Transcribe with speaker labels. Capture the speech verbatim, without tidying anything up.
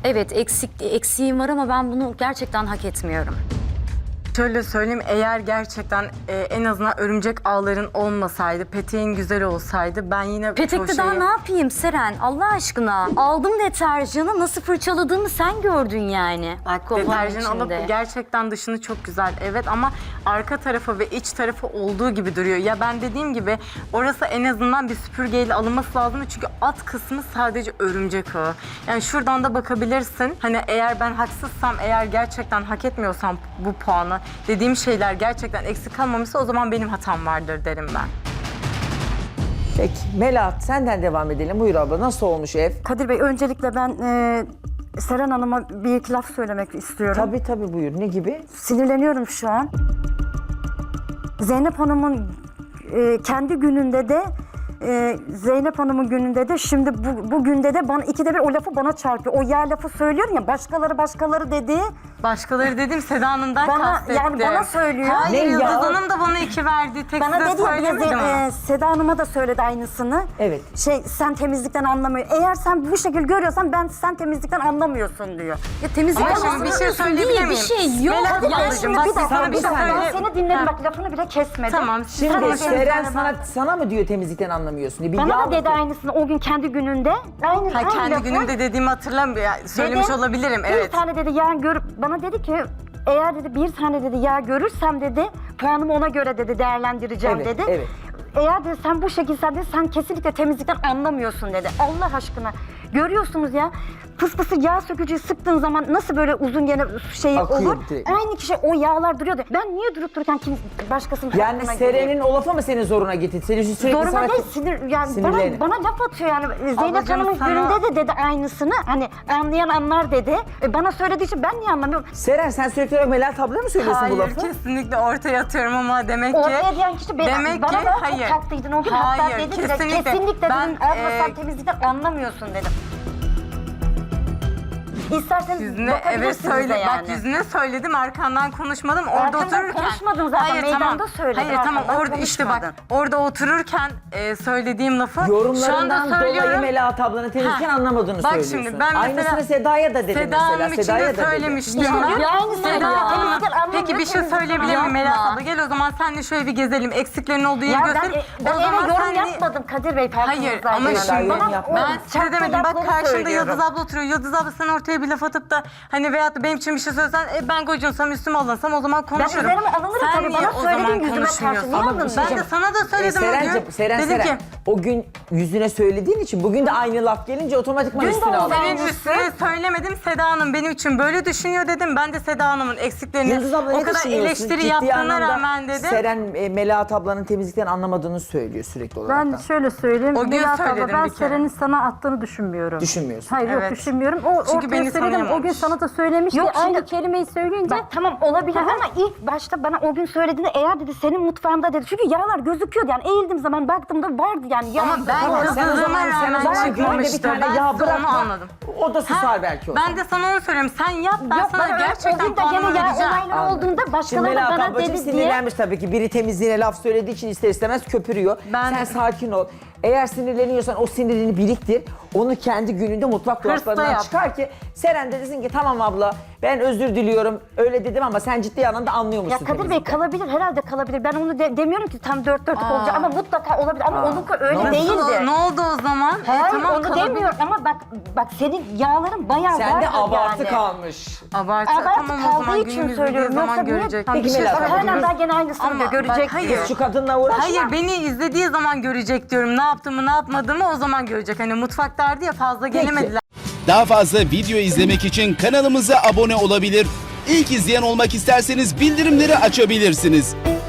Speaker 1: Evet, eksik eksiğim var ama ben bunu gerçekten hak etmiyorum.
Speaker 2: Şöyle söyleyeyim, eğer gerçekten e, en azından örümcek ağların olmasaydı, peteğin güzel olsaydı ben yine
Speaker 1: Petekte
Speaker 2: çoğu
Speaker 1: daha
Speaker 2: şeyi-
Speaker 1: ne yapayım Seren? Allah aşkına. Aldım deterjanı, nasıl fırçaladığımı sen gördün yani.
Speaker 2: Bak
Speaker 1: Kovan
Speaker 2: deterjan
Speaker 1: içinde.
Speaker 2: alıp gerçekten dışını çok güzel, evet, ama arka tarafı ve iç tarafı olduğu gibi duruyor. Ya ben dediğim gibi orası en azından bir süpürgeyle alınması lazım çünkü alt kısmı sadece örümcek ağı. Yani şuradan da bakabilirsin. Hani eğer ben haksızsam, eğer gerçekten hak etmiyorsam bu puanı, dediğim şeyler gerçekten eksik kalmamışsa o zaman benim hatam vardır derim ben.
Speaker 3: Peki Melahat senden devam edelim. Buyur abla, nasıl olmuş ev?
Speaker 4: Kadir Bey, öncelikle ben e, Seren Hanım'a bir iki laf söylemek istiyorum.
Speaker 3: Tabii tabii buyur. Ne gibi?
Speaker 4: Sinirleniyorum şu an. Zeynep Hanım'ın e, kendi gününde de e, Zeynep Hanım'ın gününde de şimdi bu, bu günde de bana ikide bir o lafı bana çarpıyor. O ya lafı söylüyor ya, başkaları başkaları dedi.
Speaker 2: Başkaları dedim, Seda Hanım'dan
Speaker 4: Bana-
Speaker 2: kastettim.
Speaker 4: yani bana söylüyor.
Speaker 2: Hayır,
Speaker 3: Ne
Speaker 2: Yıldız
Speaker 3: ya?
Speaker 2: Hanım da bana iki verdi. Tek
Speaker 4: Bana
Speaker 2: size
Speaker 4: dedi ya, bir de
Speaker 2: söylemedim ama.
Speaker 4: e, Seda Hanım'a da söyledi aynısını.
Speaker 3: Evet.
Speaker 4: Şey, sen temizlikten anlamıyor. Eğer sen bu şekilde görüyorsan ben sen temizlikten anlamıyorsun diyor.
Speaker 1: Ya temizlik
Speaker 2: Ama şimdi bir şey söyleyebilir
Speaker 1: diye bir
Speaker 2: miyim?
Speaker 1: şey yok.
Speaker 2: Melahat
Speaker 1: Ya
Speaker 2: ablacığım,
Speaker 4: Şimdi
Speaker 2: bak
Speaker 4: bir dakika,
Speaker 2: sana
Speaker 4: bir
Speaker 2: bir şey
Speaker 4: dakika. Ben
Speaker 2: söyle.
Speaker 4: seni dinledim,
Speaker 2: Ha.
Speaker 4: bak lafını bile kesmedim.
Speaker 2: Tamam.
Speaker 3: Şimdi
Speaker 2: Tamam,
Speaker 3: Seren
Speaker 2: ben-
Speaker 3: sana, sana mı diyor temizlikten anlamıyorsun diye? Bir
Speaker 4: Bana
Speaker 3: yağ
Speaker 4: da dedi
Speaker 3: mı-
Speaker 4: aynısını o gün kendi gününde. Aynı,
Speaker 2: Ha,
Speaker 4: aynı
Speaker 2: kendi
Speaker 4: lafı.
Speaker 2: günümde dediğimi hatırlamıyorum. Yani söylemiş
Speaker 4: Dedi,
Speaker 2: olabilirim,
Speaker 4: Bir
Speaker 2: evet.
Speaker 4: tane dedi yağ görüp bana dedi ki eğer dedi bir tane dedi yağ görürsem dedi puanımı ona göre dedi değerlendireceğim
Speaker 3: Evet,
Speaker 4: dedi.
Speaker 3: evet.
Speaker 4: Eğer dedi sen bu şekilde sen, dedi, sen kesinlikle temizlikten anlamıyorsun dedi. Allah aşkına. Görüyorsunuz ya, fıstısı yağ sökücüyü sıktığın zaman nasıl böyle uzun gene şey
Speaker 3: Akıyor
Speaker 4: olur.
Speaker 3: direkt.
Speaker 4: Aynı kişi o yağlar duruyordu. Ben niye durup dururken kim başkasının
Speaker 3: Yani
Speaker 4: hakkına
Speaker 3: Seren'in
Speaker 4: gireyim?
Speaker 3: o lafı mı senin zoruna gitti? Senin sürekli
Speaker 4: Zoruma
Speaker 3: sana...
Speaker 4: değil, sinir, yani
Speaker 3: Sinirlerini.
Speaker 4: bana, bana laf atıyor yani. Zeynep
Speaker 2: Ablacığım,
Speaker 4: Hanım'ın
Speaker 2: sana-
Speaker 4: gününde de dedi aynısını. Hani anlayan anlar dedi. E, bana söylediği için ben niye anlamıyorum?
Speaker 3: Seren sen sürekli olarak Melahat ablaya mı söylüyorsun bu
Speaker 2: Hayır,
Speaker 3: lafı?
Speaker 2: kesinlikle ortaya atıyorum ama demek ki...
Speaker 4: Ortaya diyen kişi beni,
Speaker 2: demek
Speaker 4: bana
Speaker 2: ki
Speaker 4: da
Speaker 2: hayır.
Speaker 4: çok taktıydın o gün.
Speaker 2: Hayır,
Speaker 4: Hatta dedi ki
Speaker 2: kesinlikle.
Speaker 4: kesinlikle
Speaker 2: Ben,
Speaker 4: dedim abla
Speaker 2: e,
Speaker 4: sen temizlikten anlamıyorsun dedim. İsterseniz
Speaker 2: Yüzüne evet
Speaker 4: bakabilirsiniz
Speaker 2: söyle.
Speaker 4: de yani.
Speaker 2: Bak yüzüne söyledim, arkandan konuşmadım. Orada
Speaker 4: Arkamdan
Speaker 2: otururken.
Speaker 4: konuşmadın zaten, meydanda söyledin,
Speaker 2: Hayır tamam,
Speaker 4: arkamdan
Speaker 2: orada işte bak
Speaker 4: konuşmadın.
Speaker 2: orada otururken e, söylediğim lafı şu anda
Speaker 3: Yorumlarından dolayı
Speaker 2: söylüyorum.
Speaker 3: Melahat ablanın temizlikten
Speaker 2: Ha.
Speaker 3: anlamadığını
Speaker 2: Bak
Speaker 3: söylüyorsun.
Speaker 2: şimdi ben mesela-
Speaker 3: Aynısını Seda'ya da dedi
Speaker 2: Seda
Speaker 3: mesela.
Speaker 2: Hanım için
Speaker 3: Seda'ya
Speaker 2: de
Speaker 3: da dedi.
Speaker 2: söylemiştim
Speaker 4: İşte
Speaker 2: ben.
Speaker 4: ya, aynı
Speaker 2: Seda
Speaker 4: söylüyor.
Speaker 2: Hanım,
Speaker 4: Temizlikten anlamıyor,
Speaker 2: peki bir şey
Speaker 4: temizlikten
Speaker 2: söyleyebilir miyim
Speaker 1: yapma.
Speaker 2: Melahat abla? Gel o zaman senle şöyle bir gezelim. Eksiklerin olduğu yeri
Speaker 4: Ya ben,
Speaker 2: göstereyim.
Speaker 4: ben
Speaker 2: o
Speaker 4: eve
Speaker 2: zaman
Speaker 4: yorum
Speaker 2: senle-
Speaker 4: yapmadım Kadir Bey.
Speaker 2: Hayır
Speaker 4: farkınızdaydı
Speaker 2: ama
Speaker 4: yani.
Speaker 2: şimdi
Speaker 3: yorum
Speaker 4: Bana
Speaker 3: yapmadım.
Speaker 4: o
Speaker 2: ben size
Speaker 4: çarptı
Speaker 2: demedim. Bak
Speaker 4: lafları
Speaker 2: karşımda
Speaker 4: söylüyorum.
Speaker 2: Yıldız abla oturuyor. Yıldız abla sen ortaya bir laf atıp da hani veyahut da benim için bir şey söylesen e, ben gocunsam üstüme alınsam o zaman konuşurum.
Speaker 4: üzerime alınırım
Speaker 2: Sen
Speaker 4: tabii,
Speaker 2: niye
Speaker 4: bana
Speaker 2: o
Speaker 4: söylediğin
Speaker 2: zaman
Speaker 4: yüzüme karşı
Speaker 2: konuşmuyorsun?
Speaker 4: niye
Speaker 2: Ama
Speaker 4: alındın?
Speaker 2: ben de sana da
Speaker 3: E,
Speaker 2: söyledim o
Speaker 3: Serencim,
Speaker 2: gün.
Speaker 3: Seren,
Speaker 2: Dedim
Speaker 3: Seren,
Speaker 2: ki
Speaker 3: o gün yüzüne söylediğin için bugün de aynı laf gelince otomatikman
Speaker 4: Dün de
Speaker 3: üstüne
Speaker 4: oldu.
Speaker 3: alıyor.
Speaker 2: senin üstüne söylemedim. Seda Hanım benim için böyle düşünüyor dedim. Ben de Seda Hanım'ın eksiklerini
Speaker 3: Yıldız abla
Speaker 2: o
Speaker 3: ne
Speaker 2: kadar
Speaker 3: düşünüyorsun?
Speaker 2: eleştiri
Speaker 3: Ciddi
Speaker 2: yaptığına
Speaker 3: anlamda
Speaker 2: rağmen dedim.
Speaker 3: Seren e, Melahat ablanın temizlikten anlamadığını söylüyor sürekli olarak.
Speaker 5: Ben şöyle söyleyeyim.
Speaker 2: O gün
Speaker 5: Melahat abla,
Speaker 2: söyledim
Speaker 5: ben
Speaker 2: bir kere.
Speaker 5: Seren'in sana attığını düşünmüyorum.
Speaker 3: Düşünmüyorsun.
Speaker 5: Hayır
Speaker 2: Evet.
Speaker 5: yok düşünmüyorum. O
Speaker 2: Çünkü
Speaker 5: ortaya
Speaker 2: beni
Speaker 5: söyledim. O gün
Speaker 2: tanıyamamış.
Speaker 5: sana da söylemişti.
Speaker 4: Yok,
Speaker 5: Aynı
Speaker 4: şimdi-
Speaker 5: kelimeyi söyleyince
Speaker 4: Bak tamam olabilir ama ilk başta bana o gün söylediğinde eğer dedi senin mutfağında dedi. Çünkü yağlar gözüküyordu yani eğildim zaman baktığımda vardı yani. Yağ.
Speaker 2: Ama ben
Speaker 3: Tamam, sen o
Speaker 2: kızdığıma
Speaker 3: zaman sen o
Speaker 2: rağmen
Speaker 3: zaman günde bir
Speaker 2: çıkmamıştı.
Speaker 3: tane
Speaker 2: Ben
Speaker 3: yağ
Speaker 2: size onu
Speaker 3: bırakma.
Speaker 2: anladım.
Speaker 3: O da susar
Speaker 2: Ha,
Speaker 3: belki o zaman.
Speaker 2: Ben de sana onu söylüyorum. Sen yap, ben
Speaker 4: Yok,
Speaker 2: sana
Speaker 4: bana
Speaker 2: gerçekten
Speaker 4: o gün de
Speaker 2: puanımı
Speaker 4: gene yağ
Speaker 2: vereceğim.
Speaker 4: olayları
Speaker 3: Anladım.
Speaker 4: olduğunda
Speaker 3: Şimdi
Speaker 4: başkaları
Speaker 3: Melahat
Speaker 4: bana
Speaker 3: ablacığım
Speaker 4: dedi diye.
Speaker 3: sinirlenmiş tabii ki. Biri temizliğine laf söylediği için ister istemez köpürüyor.
Speaker 2: Ben-
Speaker 3: Sen sakin ol. Eğer sinirleniyorsan o sinirini biriktir. Onu kendi gününde mutfak dolaplarından
Speaker 2: yap.
Speaker 3: çıkar ki Seren de desin ki tamam abla ben özür diliyorum. Öyle dedim ama sen ciddi anlamda anlıyormuşsun.
Speaker 4: Ya Kadir Bey
Speaker 3: temizlikten.
Speaker 4: kalabilir, herhalde kalabilir. Ben onu de- demiyorum ki tam dört dörtlük olacak ama mutlaka olabilir. Ama
Speaker 3: Aa.
Speaker 4: onunki öyle
Speaker 3: Nasıl?
Speaker 4: değildi.
Speaker 2: Ne oldu o zaman?
Speaker 4: Hayır
Speaker 2: E, tamam,
Speaker 4: onu
Speaker 2: kalabilir.
Speaker 4: demiyorum ama bak bak senin yağların bayağı
Speaker 3: Sende
Speaker 4: vardı
Speaker 3: abartı
Speaker 4: yani.
Speaker 3: kalmış.
Speaker 2: Abartı,
Speaker 4: Abartı
Speaker 2: tamam o zaman
Speaker 4: kaldığı için
Speaker 2: günümüz
Speaker 4: söylüyorum.
Speaker 2: bildiği
Speaker 4: Yoksa
Speaker 2: zaman
Speaker 4: niye?
Speaker 2: görecek.
Speaker 3: Peki
Speaker 2: Bir şey
Speaker 3: Melahat
Speaker 4: Bak
Speaker 3: abla,
Speaker 4: hala
Speaker 3: biz-
Speaker 4: daha gene aynısını
Speaker 2: Ama
Speaker 4: diyor,
Speaker 2: bak,
Speaker 4: görecek
Speaker 2: hayır.
Speaker 4: diyor.
Speaker 3: Şu kadınla uğraşma.
Speaker 2: Hayır, beni izlediği zaman görecek diyorum. Ne yaptığımı ne yapmadığımı o zaman görecek. Hani mutfaklardı ya, fazla gelemediler.
Speaker 6: Daha fazla video izlemek için kanalımıza abone olabilir. İlk izleyen olmak isterseniz bildirimleri açabilirsiniz.